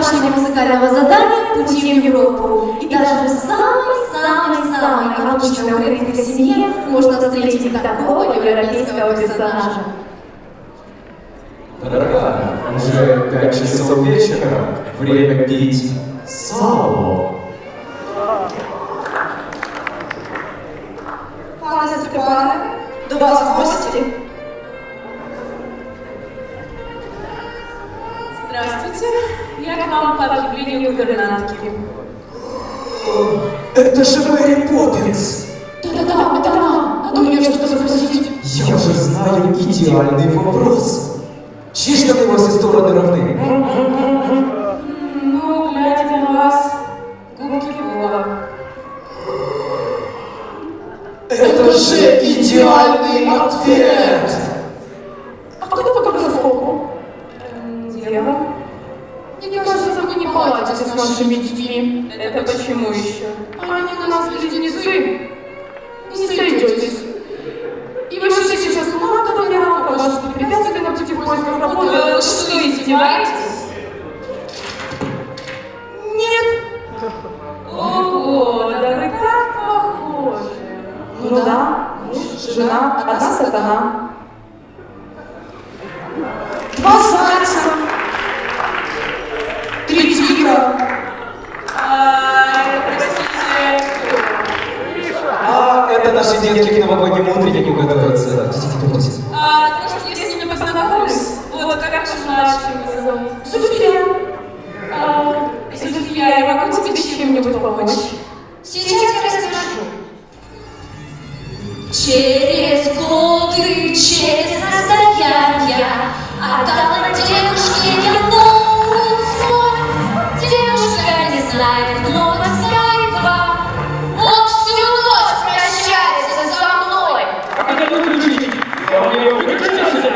домашнего музыкального задания «Пути в Европу». И даже в самой-самой обычной украинской семье можно встретить такого европейского персонажа. Дорогая, уже 5 часов вечера, время пить сало. Пане Степане, до вас в гости. Здравствуйте, я к вам по объявлению гувернантки. Это же Мэри Поппинс! Да-да-да, это она. Надо у нее что-то спросить. Я же знаю идеальный вопрос. Чьи штаны во все стороны равны? Ну, глядя на вас, губки Боба. Это же идеальный ответ! А кто по гороскопу? Дева? Мне кажется, вы не поладите с нашими детьми. Это почему еще? Они у нас близнецы. Не сойдетесь. И вы же сейчас много говорят, покажете препятствия на пути в поисках работы. Вы что, издеваетесь? Нет. Ого, да вы так похожи. Ну да, муж, жена, одна сатана. 2 зайца. 3 тигра. Простите, А это наши детки к новогоднему утреннику готовятся. Идите. может, я с ними познакомлюсь? Вот, как же ваши зовут? София. София, я могу тебе чем-нибудь помочь? Сейчас я расскажу. Через годы, через расстояния, отдала девушке я новый сон. Девушка не знает много скайпа. Он всю ночь прощается со мной. Как это выключить? Я мне его выключите?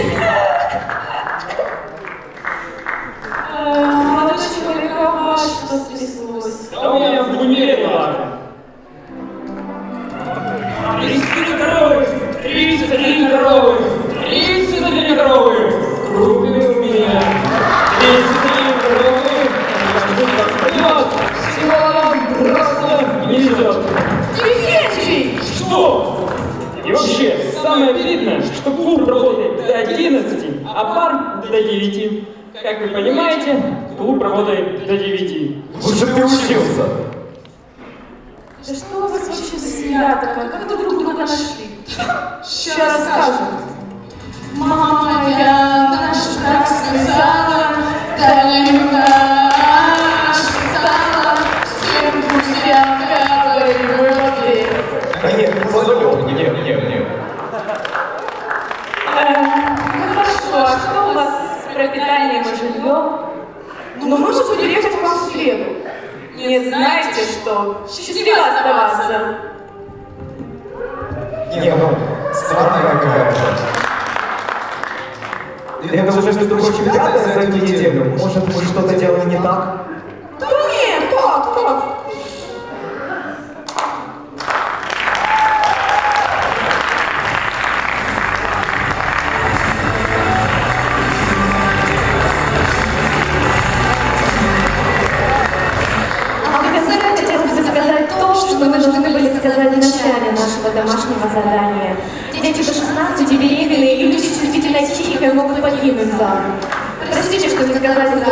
Молодой человек, а что стряслось? Да у меня в универе ладно. 33 коровы! 33 коровы! 33 коровы! В группе у меня 33 коровы! Вперед! Силам просто не везет! Дефектий. Что? И вообще, самое обидное, что клуб работает до 11, а бар до 9. Как вы понимаете, клуб работает до 9. Лучше бы ты учился. Да что у вас вообще за семья такая? Как вы друг друга нашли? Сейчас скажем. Мама моя наша так сказала, да не наша стала, всем друзьям в Европе. Нет, позовем. Нет. Ну хорошо, а что у вас с пропитанием и жильем? Ну, может приехать к вам в среду. Не знаете что? Счастливо оставаться! Не, ну, странная какая-то. Я даже между прочим питания за эту неделю. Может, мы что-то делаем не так? Да нет, как? Мы должны были сказать в начале нашего домашнего задания. Дети до 16 беременные и люди чувствительно тихие могут погибнуть за. Простите, что не сказали за